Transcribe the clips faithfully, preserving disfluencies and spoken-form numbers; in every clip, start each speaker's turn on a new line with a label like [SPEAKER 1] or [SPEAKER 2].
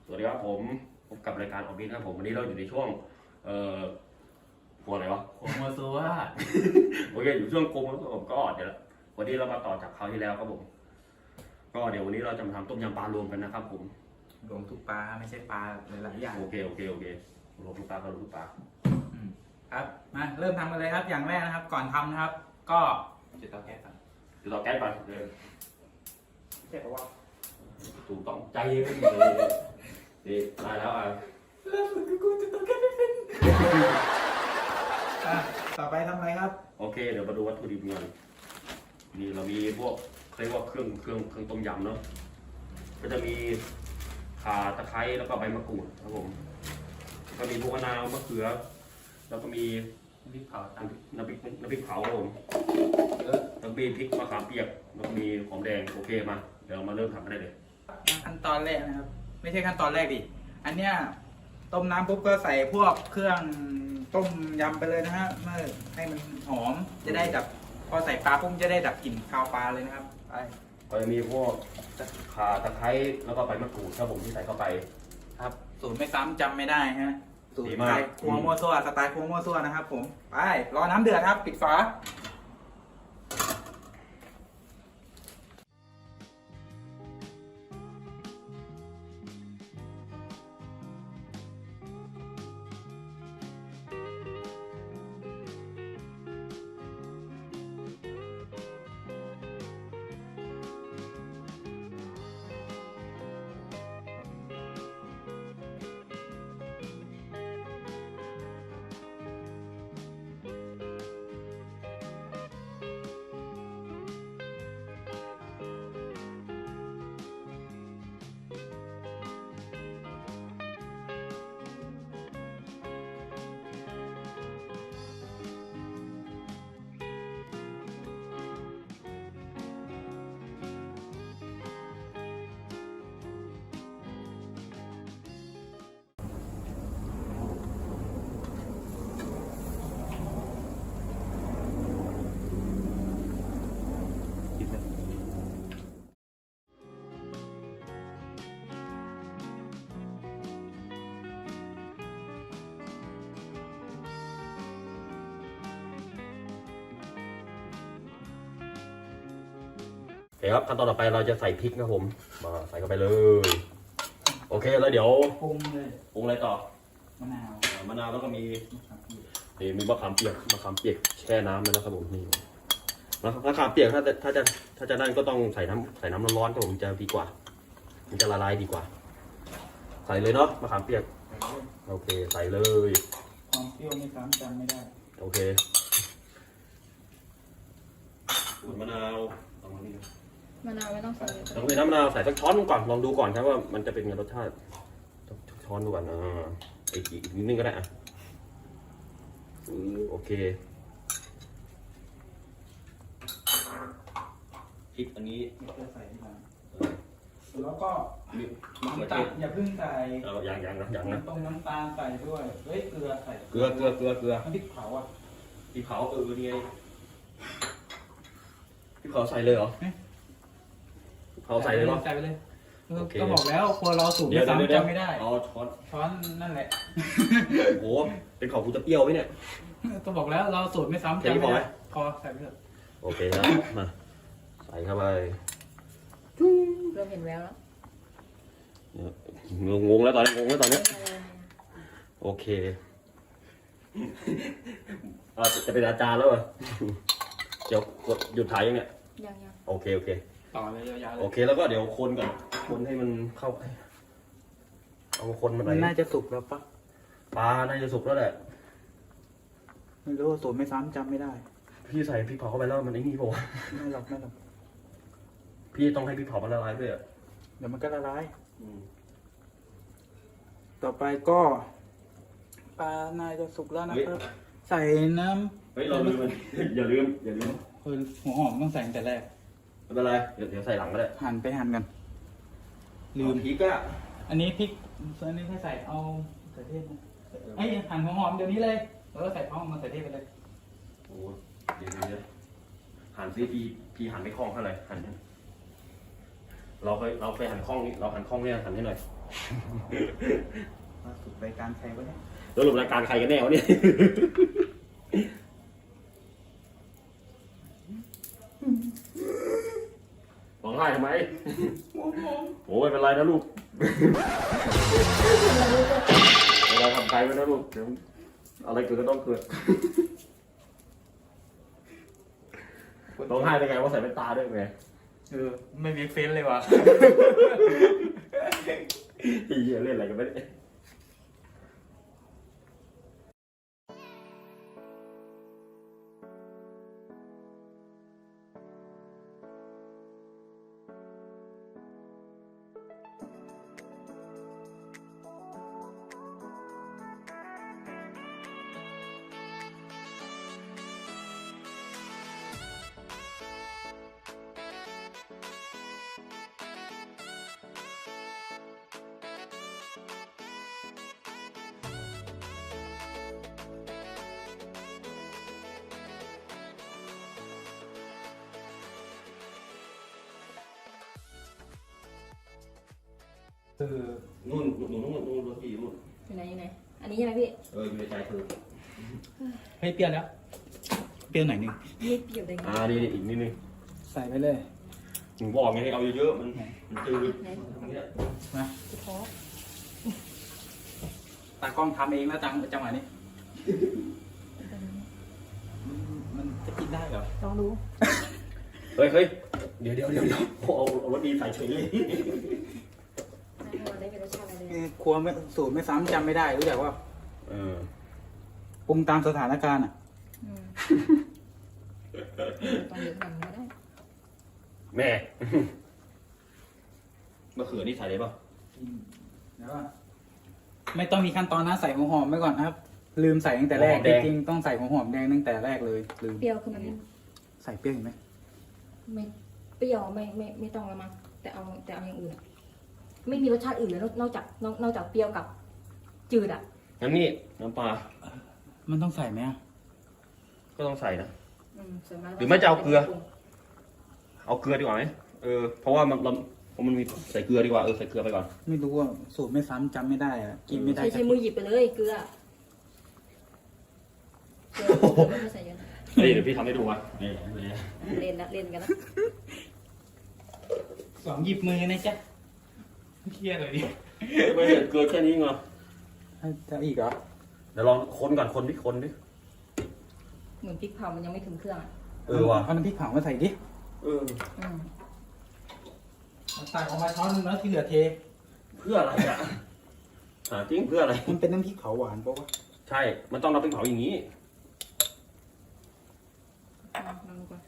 [SPEAKER 1] วัสดีครับผมพบกับรายการออฟฟิศนะครับผมวันนี้เราอยู่ในช่วงเอ่อหัวอะไรวะ
[SPEAKER 2] โคโมซัว
[SPEAKER 1] โอเคอยู่ช่วงโกงแล้วผมก็เดี๋ยววันนี้เรามาต่อจากคราวที่แล้วครับผมก็เดี๋ยววันนี้เราจะมาทำต้มยำปลารวมกันนะครับผม
[SPEAKER 2] รวมทุกปลาไม่ใช่ปลาหลายๆอย่าง
[SPEAKER 1] โอเคโอเคโอเครวมทุกปลาก็รวมทุกปลา
[SPEAKER 2] อืมครับมาเริ่มทำกันเลยครับอย่างแรกนะครับ ก่อนทำนะครับ ก็จุดเตาแก๊สก่อน
[SPEAKER 1] เดี๋ยวเราแก้ก่อนเลย
[SPEAKER 2] เจ็บปะวะ
[SPEAKER 1] ถูกต้องใจเย็นเลยนี่ได้แล้วอ่ะ
[SPEAKER 2] เริ่มฝึกกูจุดเตาแก๊สไม่เป็นอ่ะต่อไปทำอะไรครับ
[SPEAKER 1] โอเคเดี๋ยวมาดูวัตถุดิบกันนี่เรามีพวกเรียกว่าเครื่องเครื่องเครื่องต้มยำเนาะก็จะมีข่าตะไคร้แล้วก็ใบมะกรูดครับผมก็มีพวกมะนาวมะเขือแล้วก็มี
[SPEAKER 2] น้ำพริกเผาตาม
[SPEAKER 1] น้ำพริกน้ำพริกเผาครับผมเออแล้วมีพริกมะขามเปียกแล้วก็มีหอมแดงโอเคมาเดี๋ยวเรามาเริ่มทำกันได้เลย
[SPEAKER 2] ขั้นตอนแรกนะครับ ไม่ใช่ขั้นตอนแรกดิอันเนี้ยต้มน้ำปุ๊บก็ใส่พวกเครื่องต้มยำไปเลยนะฮะเมื่อให้มันหอมจะได้ดับพอใส่ปลาปุ๊บจะได้ดับกลิ่นคาวปลาเลยนะครับไป
[SPEAKER 1] ก็จะมีพวกข่าตะไคร้แล้วก็ใบมะกรูดครับผมที่ใส่เข้าไป
[SPEAKER 2] ครับสูตรไม่ซ้ำจำไม่ได้ฮะสูตร
[SPEAKER 1] ดี
[SPEAKER 2] ส
[SPEAKER 1] มาก
[SPEAKER 2] ไตล์ครัวมั่วซั่วสไตล์ครัวมั่วซั่วนะครับผมไปรอน้ำเดือดครับปิดฝา
[SPEAKER 1] โอเคครับขั้นตอนต่อไปเราจะใส่พริกนะครับผมมาใส่เข้าไปเลยโอเคแล้วเดี๋ยว
[SPEAKER 2] ปรุงเลย
[SPEAKER 1] ปรุงอะไรต่อ
[SPEAKER 2] มะนาว
[SPEAKER 1] อ่ามะนาวแล้วก็มี
[SPEAKER 2] ครับ
[SPEAKER 1] นี่มีมะขามเปียกมะขามเปียกแช่น้ำเลยนะครับผมนี่มะขามเปียกถ้าจะถ้าจะถ้าจะนั่นก็ต้องใส่น้ำใส่น้ำร้อนๆครับผมจะดีกว่ามันจะละลายดีกว่า ใส่เลยเนาะมะขามเปียกโอเคใส่เลย
[SPEAKER 2] ความเปรี้ยวไม่ซ้ำจำไม่ได้
[SPEAKER 1] โอเคขูดมะนาวตรงนี้
[SPEAKER 3] มะนาวไม่ต้องใส่เลย
[SPEAKER 1] ต้องมีน้ำมะนาวใส่สักช้อนก่อนลองดูก่อนครับว่ามันจะเป็นไงรสชาติสักช้อนดูก่อนอ่าอีกอีกนิดนึงก็ได้อ่ะอืมโอเคพริกอันนี้
[SPEAKER 2] จะใส่ที่หลัง
[SPEAKER 1] เออ
[SPEAKER 2] แล้วก็
[SPEAKER 1] มีมะเขือ
[SPEAKER 2] น้ำ
[SPEAKER 1] เท
[SPEAKER 2] ตาล
[SPEAKER 1] ศ
[SPEAKER 2] อย่าเพิ่งใส่
[SPEAKER 1] เอออย่างอย่างนะอย่างนะ
[SPEAKER 2] ตรงน้ำตาลใส่ด้วยเฮ้ยเกลือใส่
[SPEAKER 1] เกลือเกลือเกลือเกลือ
[SPEAKER 2] น้ำพริกเผาอ่ะ
[SPEAKER 1] พริกเผาเออนี่ไงพริกเผาใส่เลยเหรอพริกเผาใส่เลยเหรอ
[SPEAKER 2] ใส่ไปเลย
[SPEAKER 1] โอเค
[SPEAKER 2] ก็บอกแล้วครัวเราสูตร
[SPEAKER 1] เดี๋ยว
[SPEAKER 2] ไม่
[SPEAKER 1] เดี๋ยวเดี๋ยว
[SPEAKER 2] ซ้ำจำไม่ได้
[SPEAKER 1] เอาช้อน
[SPEAKER 2] ช้อนนั่นแหละ
[SPEAKER 1] โอ้โหเป็นของกูจะเปรี้ยวไหมเนี่ย
[SPEAKER 2] ก็บอกแล้วเราสูตรไม่ซ้ำ
[SPEAKER 1] แค่นี้
[SPEAKER 2] จำ
[SPEAKER 1] พอ
[SPEAKER 2] ไม่
[SPEAKER 1] ไหม
[SPEAKER 2] ได้พอใส่ไปเถอะ
[SPEAKER 1] โอเคครับมาใส่เข้าไป
[SPEAKER 3] เริ่มเห็นแววแล้ว
[SPEAKER 1] งงแล้วตอนนี้งงแล้วตอนนี้
[SPEAKER 3] เป็นอะไร
[SPEAKER 1] โอเคเอาจะเป็นอาจารย์แล้วเหรอเดี๋ยวกดหยุดถ่ายยังเนี่ย
[SPEAKER 3] ยังยัง
[SPEAKER 1] โอเคโอเค
[SPEAKER 2] ต่อเลยยาวๆเล
[SPEAKER 1] โอย เคแล้วก็เดี๋ยวคนก่อนคนให้มันเข้าเอาคนมาไหน
[SPEAKER 2] มันน่าจะสุกแล้วปะ
[SPEAKER 1] ปลาน่าจะสุกแล้วแหละ
[SPEAKER 2] ไม่รู้สูตรไม่ซ้ำจำไม่ได้
[SPEAKER 1] พี่ใส่พริกเผาเข้าไปแล้วมันไอ้นี่ป่าวะ
[SPEAKER 2] ไม่หรอกไม่หรอก
[SPEAKER 1] พี่ต้องให้พริกเผามันละลายด้วยอ่ะ
[SPEAKER 2] เดี๋ยวมันก็ละลาย
[SPEAKER 1] อืม
[SPEAKER 2] ต่อไปก็ปลาน่าจะสุกแล้วนะครับ ใส่น้
[SPEAKER 1] เฮ้ยเราลืมมัน อย่าลืมอย่าลืม
[SPEAKER 2] ำเออหัวหอมต้องใส่ตั้งแต่แรก
[SPEAKER 1] ไม่เป็นไรเดี๋ยวเดี๋ยวใส่หลังก็ได้
[SPEAKER 2] หั่นไปหั่นกัน ลืม
[SPEAKER 1] เอาพริกอ่ะ
[SPEAKER 2] อันนี้พริกส่วนอันนี้ให้ใส่เอาใส่เทศนะไอ้ยหั่นหัวหอมเดี๋ยวนี้เลยแล้วก็ใส่พร้อมมาใส่เทศไปเลย
[SPEAKER 1] โอ้เดี๋ยวเดี๋ยวเดี๋ยวหั่นซิพี่พี่หั่นไม่คล่องเท่าไหร่หั่นเนี่ยเราเคยเราเคยหั่นคล่องนี้เราหั่นคล่องเนี่ยหั่นให้หน่อย
[SPEAKER 2] ล่าสุดรายการใครวะเนี่ย
[SPEAKER 1] สรุปรายการใครกันแน่วะเนี่ยร้องไห้ทำไมโอ้ยไม่เป็นไรนะลูกเวลาทำใจไว้นะลูกเดี๋ยวอะไรเกิดก็ต้องเกิดร้องไห้ได้ไงว่าใส่แว่นตาด้วยไง
[SPEAKER 2] เออไม่มีเฟซเลยว่ะ
[SPEAKER 1] ไอ้เหี้ยเล่นอะไรกันไม่ได้
[SPEAKER 2] เออ
[SPEAKER 1] นู่นนู่นนู่นนู่นนู่นรถพี่นู่น
[SPEAKER 3] อยู่ไหนอยู่ไหนอันนี้ใช่ไหมพี่
[SPEAKER 1] เอออยู่ในใจเธอ
[SPEAKER 2] ให้เปรี้ยวแล้ว เปรี้ยวหน่อยหนึง
[SPEAKER 3] นี่เปรี้ยวได้ไง
[SPEAKER 1] อ่านี่นี่อีกนิดนึง
[SPEAKER 2] ใส่ไปเลย
[SPEAKER 1] ถึงบอกไงให้เอาเยอะๆมันมันจืด
[SPEAKER 3] ไหน
[SPEAKER 1] ตรงเนี้ย
[SPEAKER 2] มา
[SPEAKER 3] ที่ท้อ
[SPEAKER 2] ตากล้องทำเองแล้วจังจังหวะนี้มันจะกินได้เหรอ
[SPEAKER 3] ลองดู
[SPEAKER 1] เฮ้ยเฮ้ยเดี๋ยวเดี๋ยวเดี๋ยวเดี๋ยวเอาเอารถดีใส่เฉยเลย
[SPEAKER 3] ให้มันได้เป็นรสชาติอะไร
[SPEAKER 2] เออครัวไม่สูตรไม่ซ้ำจำไม่ได้รู้จักว่า
[SPEAKER 1] เออ
[SPEAKER 2] ปรุงตามสถานการณ์อ่ะ
[SPEAKER 3] อืมต้องเยอะขนาดนี้ก็ได้
[SPEAKER 1] แม่มะเขือนี่ใส่ได้ป่ะ
[SPEAKER 2] แล้วก็ไม่ต้องมีขั้นตอนนะใส่หัวหอมไว้ก่อนนะครับ ลืมใส่ตั้งแต่แรกจริงๆต้องใส่หัวหอมแดงตั้งแต่แรกเลยลืม
[SPEAKER 3] เปรี้ยวคือมัน
[SPEAKER 2] ใส่เปรี้ยวเห็นไหม
[SPEAKER 3] ไม่เปรี้ยวไม่ไม่ไม่ต้องละมั้งแต่เอาแต่เอาอย่างอื่นอะไม่มีรสชาติอื่นเลยนอกนอกจากนอกนอกจากเปรี้ยวกับ จืดอ่ะ
[SPEAKER 1] งั้นนี่น้ำปลา
[SPEAKER 2] มันต้องใส่ไหมอะ
[SPEAKER 1] ก็ต้องใส่นะ
[SPEAKER 3] อืมส่วนมาก
[SPEAKER 1] หรือไม่จะเอาเกลือ เอาเกลือดีกว่าไหมเออเพราะว่ามันเราเพราะมันมีใส่เกลือดีกว่าเออใส่เกลือไปก่อน
[SPEAKER 2] ไม่รู้ว่าสูตรไม่ซ้ำจำไม่ได้อะกินไม่ได้
[SPEAKER 3] ใช้
[SPEAKER 2] สัก
[SPEAKER 3] ใช้มือหยิบไปเลยเกลือเกลือเกลือไม่ต้องใส่เยอะนะ
[SPEAKER 1] นี่เดี๋ยวพี่ทำให้ดูว่ะนี่นี่
[SPEAKER 3] เล่นละเล่นกันละ
[SPEAKER 2] สองหยิบมือนะจ๊ะเครียดเลยดิ
[SPEAKER 1] ไม่เห็นเกลือแค่นี้ไง
[SPEAKER 2] จะอีกเหรอ
[SPEAKER 1] เดี๋ยวลองคนก่อนคนดิคนดิ
[SPEAKER 3] เหมือนพริกเผามันยังไม่ถึงเครื่องอ่ะ
[SPEAKER 1] เออว่ะ
[SPEAKER 2] เอาน้ำพริกเผามาใส่ดิ
[SPEAKER 1] เออ
[SPEAKER 3] อืม
[SPEAKER 2] ใส่ออกมาช้อนนึงแล้วที่เหลือเท
[SPEAKER 1] เพื่ออะไรอ่ะหาจริงเพื่ออะไร
[SPEAKER 2] มันเป็นน้ำพริกเผาหวานปะวะ
[SPEAKER 1] ใช่ มันต้องรับเป็นเผาอย่างนี้
[SPEAKER 3] เอาลองดูก่อน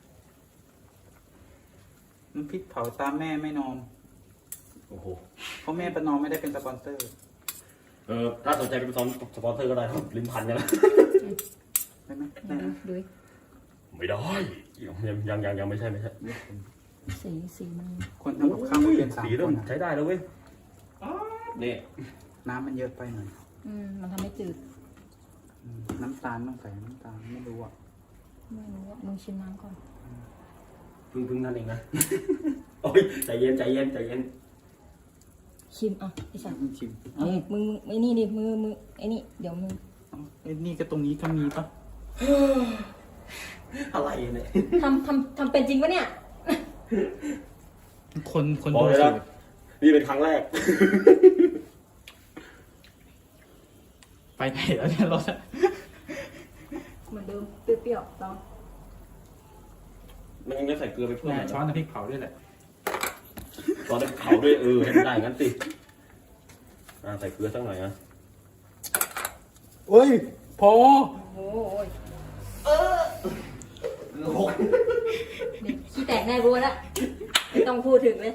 [SPEAKER 2] น้ำพริกเผาตามแม่ไม่นอม
[SPEAKER 1] โอ้โห
[SPEAKER 2] เพราะแม่ประนอมไม่ได้เป็นสปอนเซอร์
[SPEAKER 1] เออถ้าสนใจเป็นสปอนเซอร์ก็ได้ครับลิ้นพันกันนะ
[SPEAKER 2] ได้ไหม
[SPEAKER 3] ดู
[SPEAKER 2] ได้นะ
[SPEAKER 3] ดูดิ
[SPEAKER 1] ไม่ได้ยังยังยังยังไม่ใช่ไม่ใช่
[SPEAKER 3] สีสีมัน
[SPEAKER 2] คนทำกับข้าวไม่เป็นสาม
[SPEAKER 1] สี
[SPEAKER 2] ค
[SPEAKER 1] เริ่ม
[SPEAKER 2] นอะ
[SPEAKER 1] ใช้ได้แล้วเว้ยนี่
[SPEAKER 2] น้ำมันเยอะไปหน่อย
[SPEAKER 3] อืมมันทำให้จืด
[SPEAKER 2] อืมน้ำตาลต้องใส่น้ำตาลไม่รู้อ่ะ
[SPEAKER 3] ไม่รู้ว่ามึงชิมน้ำก่อน
[SPEAKER 1] พึ่งพึ่งนั่นเองนะ โอ้ยใจเย็นใจเย็นใจเย็น
[SPEAKER 3] ชิมอ่ะไอ้สัตว์
[SPEAKER 2] มึงชิม
[SPEAKER 3] เอามึงมึงไอ้นี่ดิมือมือไอ้นี่เดี๋ยวมึง
[SPEAKER 2] เอ้าไอ้นี่ก็ตรงนี้ก็มีปะ
[SPEAKER 1] อะไรเนี่ย
[SPEAKER 3] ทำทำทำเป็นจริงปะเนี่ย
[SPEAKER 2] คนคน
[SPEAKER 1] บอก
[SPEAKER 2] ดู
[SPEAKER 1] เลย
[SPEAKER 2] สู
[SPEAKER 1] นะ
[SPEAKER 2] ตร
[SPEAKER 1] นี่เป็นครั้งแรก
[SPEAKER 2] ไปไหนแล้วเนี่ยรถอะ
[SPEAKER 3] เหมือนเดิมเปรี้ยวๆลอง
[SPEAKER 1] มันยังจะใส่เกลือไปเพิ่ม
[SPEAKER 2] แม่
[SPEAKER 1] หน่อย
[SPEAKER 2] ช้อนน้ำพริกเผาด้วยแหละ
[SPEAKER 1] ช้อนน้ำเผาด้วยเออให้มันได้งั้นสิอ่าใส่เกลือสักหน่อยนะ
[SPEAKER 2] เอ้ยพอ
[SPEAKER 3] โอ้โห
[SPEAKER 1] เกลือหก
[SPEAKER 3] เด็กขี้แตกแน่รู้แล้วไม่ต้องพูดถึงเลย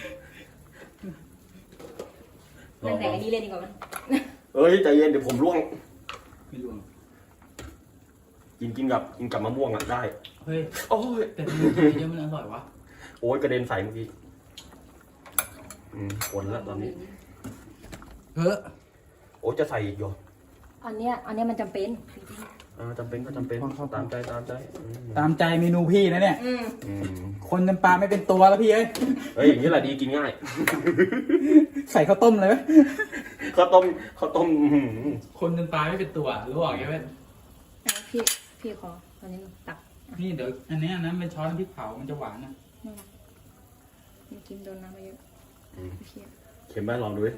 [SPEAKER 3] นั่งแต่งอันนี้เลยดีกว่ามั้ย
[SPEAKER 1] เอ้ยใจเย็นเดี๋ยวผมร่วง
[SPEAKER 2] ไม่รู้
[SPEAKER 1] กินกินกับกินกับมะม่วงอ่ะได้
[SPEAKER 2] เฮ้ย
[SPEAKER 1] โอ้ย
[SPEAKER 2] แต่มันเยอะมันอร่อยวะ
[SPEAKER 1] โอ้ยกระเด็นใส่เมื่อกี้อืมผลแล้วตอนนี้
[SPEAKER 2] เฮ้ย
[SPEAKER 1] โอ้ยจะใส่อีกอยู่
[SPEAKER 3] อันเนี้ยอันเนี้ยมันจำเป็น
[SPEAKER 1] อ่าจำเป็นก็จำเป็น
[SPEAKER 2] พอครับ
[SPEAKER 1] ตามใจตามใจอืม
[SPEAKER 2] ตามใจเมนูพี่นะเนี่ย
[SPEAKER 3] อืม
[SPEAKER 1] อืม
[SPEAKER 2] คนจำปาไม่เป็นตัวแล้วพี่เอ้ย
[SPEAKER 1] เฮ้ยอย่างนี้แหละดีกินง่าย
[SPEAKER 2] ใส่ข้าวต้มเลยไหม
[SPEAKER 1] ข้าวต้มข้าวต้มอื้อหือ
[SPEAKER 2] คนจำปาไม่เป็นตัวรู้บอกไงเว้ย
[SPEAKER 3] อ่ะพี่พี่ขอตอนนี้ตัก
[SPEAKER 2] นี่เดี๋ยวอันเนี้ยนะเป็นช้อนพริกเผามันจะหวานนะ
[SPEAKER 3] นั่นแหละมันกินโดนน้ำมาเยอะ
[SPEAKER 1] อืม
[SPEAKER 3] เพี้ย
[SPEAKER 1] เค็มไหมลองดูดิ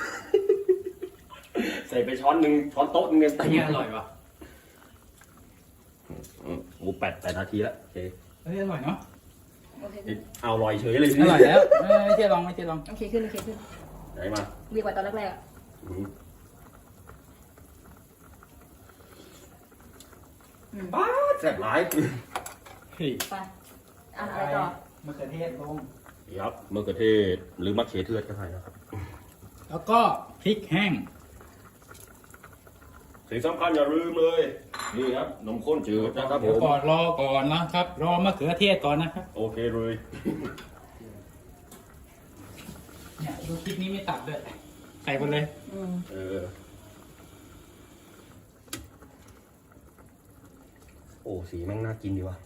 [SPEAKER 1] ใส่ไปช้อนหนึ่งช้อนโต๊ะหนึงเนี่ย
[SPEAKER 2] อันนี้อร่อยว่ะ
[SPEAKER 1] อืมโอ้แปดแปดนาทีแล้วโอเค
[SPEAKER 2] เฮ้ยอร่อยเนาะ
[SPEAKER 3] โอเค
[SPEAKER 1] นี่เอาลอยเฉยเลย
[SPEAKER 2] อร่อยแล้วเออไม่เจ๊ลองไม่เจ๊ลอง
[SPEAKER 3] โอเคขึ้นโอเคขึ้น
[SPEAKER 1] ไหนมา
[SPEAKER 3] ดีกว่าตอนแรกๆอ่ะ
[SPEAKER 1] อืม
[SPEAKER 3] อืม
[SPEAKER 1] บ้าแซ่บหลาย
[SPEAKER 2] เฮ้ย
[SPEAKER 3] ไปอ่ะอะไรต่อ
[SPEAKER 2] มะเขือเทศลง
[SPEAKER 1] ครับมะเขือเทศหรือมะเขือเทศก็ได้นะครับ
[SPEAKER 2] แล้วก็พริกแห้ง
[SPEAKER 1] สิ่งสำคัญอย่าลืมเลย นี่ครับนมข้นจืดนะครับผ
[SPEAKER 2] เดี๋ยว
[SPEAKER 1] ม
[SPEAKER 2] ก่อนรอก่อนนะครับ รอมะเขือเทศก่อนนะครับ
[SPEAKER 1] โอเคเลย
[SPEAKER 2] เนี่ยดูพริกนี้ไม่ตัดด้วยใส่ไปเลย
[SPEAKER 3] อืม
[SPEAKER 1] เออโอ้สีแม่งน่ากินดีว่ะ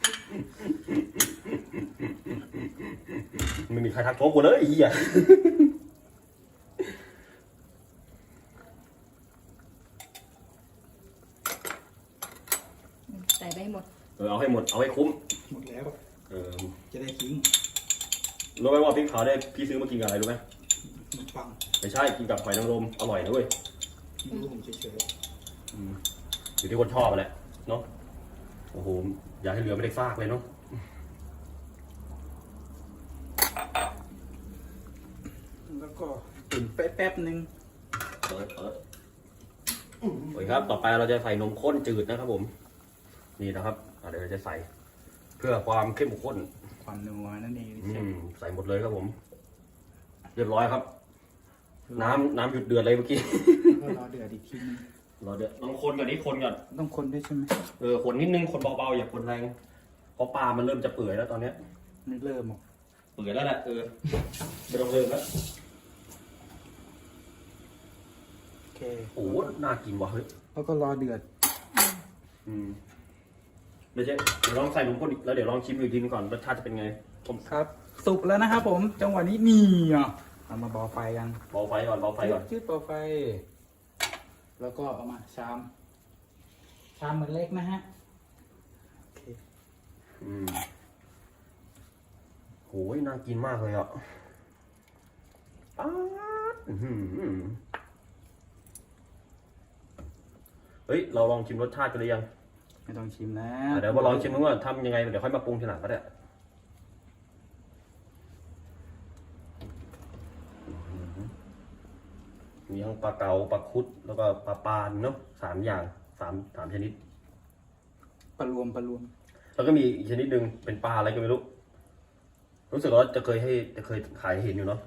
[SPEAKER 1] ไม่มีใครทักท้วงกูเลยไอ้เหี้ย
[SPEAKER 3] ใส่ไปให้หมด
[SPEAKER 1] เออเอาให้หมดเอาให้คุ้ม
[SPEAKER 2] หมดแล้ว
[SPEAKER 1] เออ
[SPEAKER 2] จะได้ทิ้ง
[SPEAKER 1] รู้ไหมว่าพริกเผาได้พี่ซื้อมากินกับอะไรรู้ไหม
[SPEAKER 2] ขนมปัง
[SPEAKER 1] ไม่ใช่กินกับหอยนางรมอร่อยนะเว้ย
[SPEAKER 2] ไม่รู้ผมเฉย
[SPEAKER 1] อืมอยู่ที่คนชอบแหละเนาะโอ้โหอยากให้เรือไม่ได้ฟากเลยเนาะ
[SPEAKER 2] ๆแล้วก็ตุ๋นแป๊บๆนึง
[SPEAKER 1] เปิดเปิดโอ้ยครับ ต่อไปเราจะใส่นมข้นจืดนะครับผม นี่นะครับอ่ะเดี๋ยวเราจะใส่ เพื่อความเข้มข้น
[SPEAKER 2] ความนัวนั่นเอง
[SPEAKER 1] อืมใส่หมดเลยครับผม เรียบร้อยครับ น้ำน้ำหยุดเดือดเลยเมื่อกี้
[SPEAKER 2] ก็รอเดือดอีกทีนึง
[SPEAKER 1] รอเดือดต้องคนก่อนนี้คนก่อน
[SPEAKER 2] ต้องคนด้วยใช่ไหม
[SPEAKER 1] เออคนนิดนึงคนเบาๆอย่าคนแรงเพราะปลามันเริ่มจะเปื่อยแล้วตอนเนี้ย
[SPEAKER 2] ไม่เริ่มหรอก
[SPEAKER 1] เปื่อยแล้วแหละเออไม่ต้องเริ่มแล้ว
[SPEAKER 2] โอเค
[SPEAKER 1] โอ้โหน่ากินว่ะเฮ้ย
[SPEAKER 2] แล้วก็รอเดือด
[SPEAKER 1] อืมไม่ใช่เดี๋ยวลองใส่นมข้นอีกแล้วเดี๋ยวลองชิมอีกทีนึงก่อนรสชาติจะเป็นไงผม
[SPEAKER 2] ครับ สุกแล้วนะครับผม จังหวะนี้นี่อ่ะเอามาเบาไฟกัน
[SPEAKER 1] เบาไฟก่อนเบาไฟก่อน
[SPEAKER 2] จืดเบาไฟ แล้วก็เอามาชาม ชามเหมือนเล็กนะฮะโอเค
[SPEAKER 1] อืมโหยน่ากินมากเลยอ่ะป๊าดอื้อหือเฮ้ยเราลองชิมรสชาติกันหรือยัง
[SPEAKER 2] ไม่ต้องชิมนะ
[SPEAKER 1] อ่ะเดี๋ยวมาลองชิมดูว่าทำยังไงเดี๋ยวค่อยมาปรุงทีหลังก็ได้มีทั้งปลาเก๋าปลาคุดแล้วก็ปลาปานเนาะสามอย่างสามสามชนิด
[SPEAKER 2] ปลารวมปลารวม
[SPEAKER 1] แล้วก็มีอีกชนิดหนึ่งเป็นปลาอะไรก็ไม่รู้ รู้สึกว่าจะเคยให้จะเคยขายให้เห็นอยู่เนาะ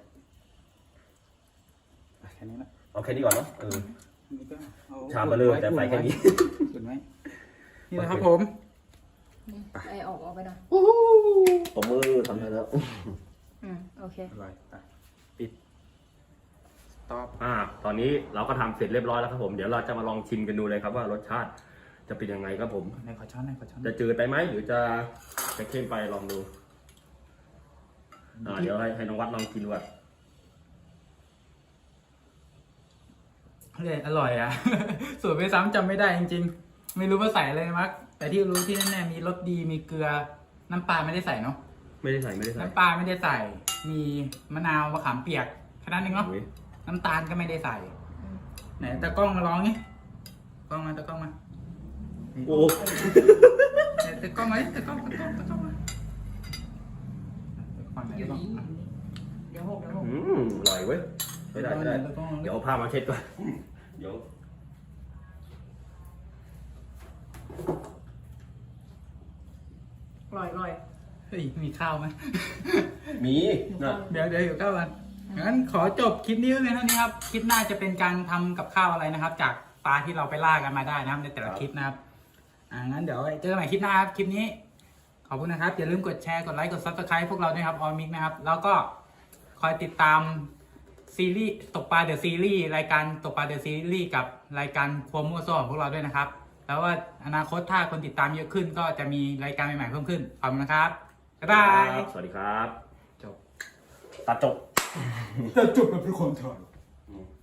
[SPEAKER 2] อ่ะแค่นี้นะ
[SPEAKER 1] เอาแค่นี้ก่อนเนาะเออ
[SPEAKER 2] อันนี้ก็เอา
[SPEAKER 1] ชามมาเลยแต่ใส่แค่นี้
[SPEAKER 2] อุ่นไว้นี่นะครับผม
[SPEAKER 3] นี่ไอออกออกไปหน่อย
[SPEAKER 1] ตบมือทำได้แล้ว
[SPEAKER 3] อืมโอเค
[SPEAKER 2] อร่อยไปปิดสต็อป
[SPEAKER 1] อ่า ตอนนี้เราก็ทำเสร็จเรียบร้อยแล้วครับผม เดี๋ยวเราจะมาลองชิมกันดูเลยครับว่ารสชาติจะเป็นยังไงครับผม
[SPEAKER 2] ในขอช้อนในขอช้อน
[SPEAKER 1] จะจืดไปไหมหรือจะจะเข้มไปลองดู อ่า เดี๋ยวให้ให้น้องวัดลองกินดูก่อน
[SPEAKER 2] เลยอร่อยอ่ะ สูตรไปซ้ำจำไม่ได้จริงๆ ไม่รู้ว่าใส่อะไรมั้งแต่ที่รู้ที่แน่ๆมีรสดีมีเกลือ น้ำปลาไม่ได้ใส่เนาะ
[SPEAKER 1] ไม่ได้ใส่ไม่ได้ใส่
[SPEAKER 2] น้ำปลาไม่ได้ใส่ มีมะนาวมะขามเปียกแค่นั้นเองเนาะ
[SPEAKER 1] อุ๊ย
[SPEAKER 2] น้ำตาลก็ไม่ได้ใส่
[SPEAKER 3] อืม
[SPEAKER 2] ไหนตะกล้องมาลองนี่กล้องมาตะกล้องมา
[SPEAKER 1] โอ้
[SPEAKER 2] ไหนตะกล้องมาดิตะกล้องตะกล้องตะกล้องมาฝั่งไหน
[SPEAKER 3] เดี๋ยว
[SPEAKER 2] บ้าง
[SPEAKER 3] นี้เดี๋ยวหกเดี๋ยวหก
[SPEAKER 1] อืมอร่อยเว้ยไม่ได้ไม่ได้
[SPEAKER 2] ตะกล้อง
[SPEAKER 1] เดี๋ยวเอาผ้ามาเช็ดก่อน เดี๋ยว
[SPEAKER 3] อร่อยอร่อย
[SPEAKER 2] เฮ้ยมีข้าวไหม
[SPEAKER 1] มีนะ
[SPEAKER 2] เดี๋ยวเดี๋ยวอยู่ข้าวกันงั้นขอจบคลิปนี้ไว้เพียงเท่านี้ครับ คลิปหน้าจะเป็นการทำกับข้าวอะไรนะครับ จากปลาที่เราไปล่ากันมาได้นะครับในแต่ละคลิปนะครับ อ่างั้นเดี๋ยวเจอกันใหม่คลิปหน้าครับ คลิปนี้ ขอบคุณนะครับ อย่าลืมกดแชร์ กดไลค์ กดซับสไคร b ์พวกเราด้วยครับออมิกนะครับ แล้วก็คอยติดตามซีรีส์ตกปลาเดอะซีรีส์รายการตกปลาเดอะซีรีส์กับรายการครัวมั่วซั่วของพวกเราด้วยนะครับแล้วว่าอนาคตถ้าคนติดตามเยอะขึ้น ก็จะมีรายการใหม่ๆเพิ่มขึ้นขอบคุณนะครับบ๊ายบาย
[SPEAKER 1] สวัสดีครับ
[SPEAKER 2] จบ
[SPEAKER 1] ตัดจบ
[SPEAKER 2] จะจบแบบเป็นคนถอด